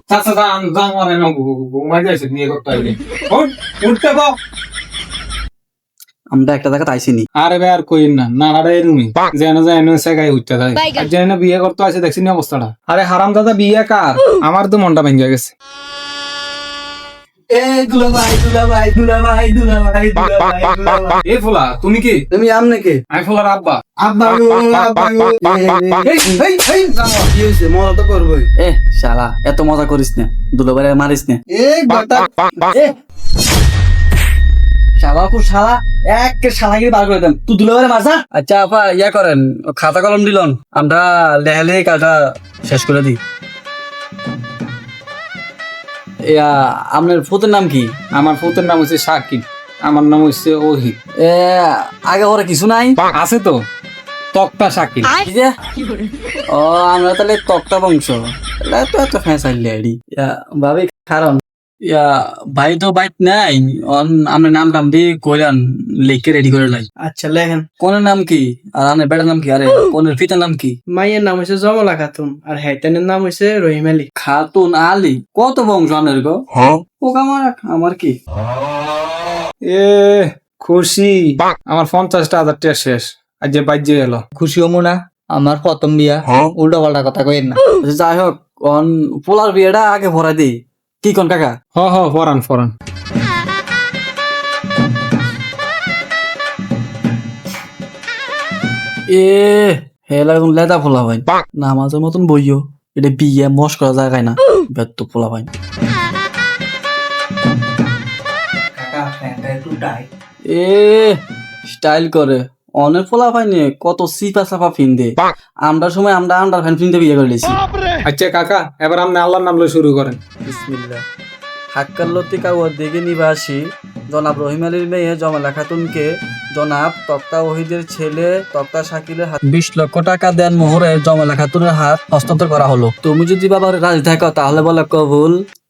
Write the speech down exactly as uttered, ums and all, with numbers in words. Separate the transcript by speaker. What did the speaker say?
Speaker 1: চাচা যান যান মানে না ঘুমাই যাইছে নিয়ে করতে আইলি ওঠ উঠতে পাও
Speaker 2: আমরা একটা জায়গা আইসিনি।
Speaker 1: আরে ভাই আর কইন না নানাটা এরুমি যেন যেন সেগাই উঠতে যায় আর যেন বিয়ে করতে আসে দেখছি না অবস্থাটা। আরে হারাম দাদা বিয়ে কার? আমার তো মনটা ভেঙে গেছে।
Speaker 2: এ দুলা ভাই দুলা ভাই দুলা ভাই দুলা ভাই দুলা ভাই দুলা ভাই।
Speaker 1: এ ফুলা তুমি কি?
Speaker 2: তুমি আমনে কে?
Speaker 1: আমি ফুলার আব্বা।
Speaker 2: আব্বা গো আব্বা গো।
Speaker 1: এই এই এই জানো
Speaker 2: কি হইছে? মজা তো করবই। এ শালা এত মজা করিস না, দুলা ভাই মারিস না। এ গটা এ শালা কো শালা এক শালাগিরি বার করে দেন। তুই দুলা ভাই মারছা? আচ্ছা আপা ইয়া করেন, খাতা কলম দিলন, আমরা লেহালে কাটা শেষ করে দিই। ইয়া আপনার ফুতের নাম কি?
Speaker 1: আমার ফুতের নাম হচ্ছে সাকিব, আমার নাম হচ্ছে ওহিদ।
Speaker 2: এ আগে ওরা কিছু নাই?
Speaker 1: আছে তো তক্তা সাকিব।
Speaker 2: কি যে? ও আমরা তাহলে তক্তা বংশ, তাহলে তো এত ফ্যাসাইলি আইডি। ইয়া ভাবি কারণ ইয়া ভাই তো বাইট নাই, অন আমরা নাম টাম দিয়ে কইলান লিখে রেডি করে লাই।
Speaker 3: আচ্ছা লেখেন।
Speaker 2: কোনের নাম কি আর আপনার বেটার নাম কি? আরে কোনের পিতার নাম কি?
Speaker 3: মাইয়ের নাম হচ্ছে জমলা খাতুন আর হাইতানের নাম হচ্ছে রহিম আলী।
Speaker 2: খাতুন আলী। কত বংশ আপনার গো? ও আমার আমার কি
Speaker 1: এ খুশি, আমার পঞ্চাশটা হাজার টাকা শেষ আজ যে বাজ্যে গেল।
Speaker 4: খুশি হমু না, আমার প্রথম বিয়া, উল্টা পাল্টা কথা কইেন না।
Speaker 2: আচ্ছা, যাই হোক অন পোলার বিয়েটা আগে ভরাই দিই কি কোন কাকা?
Speaker 1: হ হ ফরান ফরান।
Speaker 2: এ হেলা এখন লেদা ফোলা ভাই নামাজের মতন বইও, এটা বিয়ে মশ করা জায়গায় না, ব্যর্থ ফোলা ভাই। এ স্টাইল করে অনেক ফোলা ভাই নিয়ে কত সিপা সাপা ফিন দে। আমরা সময় আমরা আন্ডার ফ্যান ফিনতে বিয়ে করে লিছি।
Speaker 1: আচ্ছা কাকা এবার আপনি আল্লাহর নাম লয়ে শুরু করেন।
Speaker 2: বিসমিল্লাহ। হাক্কার লতিকা ও দিকে নিবাসী জনাব রহিম আলীর মেয়ে জমালা খাতুনকে জনাব তক্তা ওহিদের ছেলে তক্তা শাকিলের হাত বিশ লক্ষ টাকা দেন মোহরে জমালা খাতুনের হাত হস্তান্তর করা হলো। তুমি যদি বাবা রাজি থাকো তাহলে বলে কবুল।